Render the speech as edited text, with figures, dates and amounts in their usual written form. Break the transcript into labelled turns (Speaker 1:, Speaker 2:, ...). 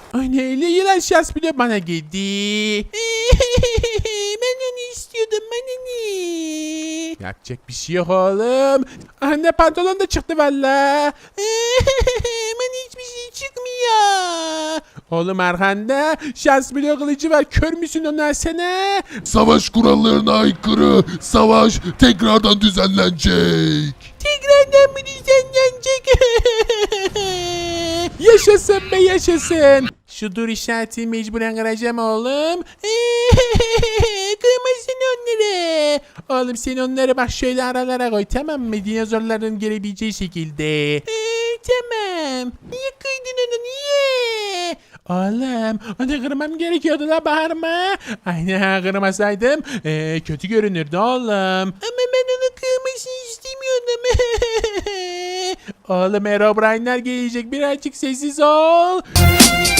Speaker 1: Aynen öyle, yılan şans bile bana geldi.
Speaker 2: Ben onu istiyordum, bana ne?
Speaker 1: Yapacak bir şey yok oğlum. Anne pantolon da çıktı valla.
Speaker 2: Bana hiçbir şey çıkmıyor.
Speaker 1: Oğlum arkanda şans bile kılıcı var. Kör müsün onlar sana?
Speaker 3: Savaş kurallarına aykırı savaş tekrardan düzenlenecek.
Speaker 2: Tekrardan mı düzenlenecek?
Speaker 1: Yaşasın be yaşasın. Şu dur işaretini mecburen kıracağım oğlum.
Speaker 2: Kırmasın onları.
Speaker 1: Oğlum sen onları bak şöyle aralara koy, tamam mı? Dinozorların gelebileceği şekilde.
Speaker 2: Tamam. Niye kıydın onu, niye?
Speaker 1: Oğlum onu kırmam gerekiyordu la, bağırma. Aynen, kırmasaydım kötü görünürdü oğlum.
Speaker 2: Ama ben onu kırmasını istemiyordum.
Speaker 1: Oğlum Herobrine'ler gelecek, birazcık sessiz ol.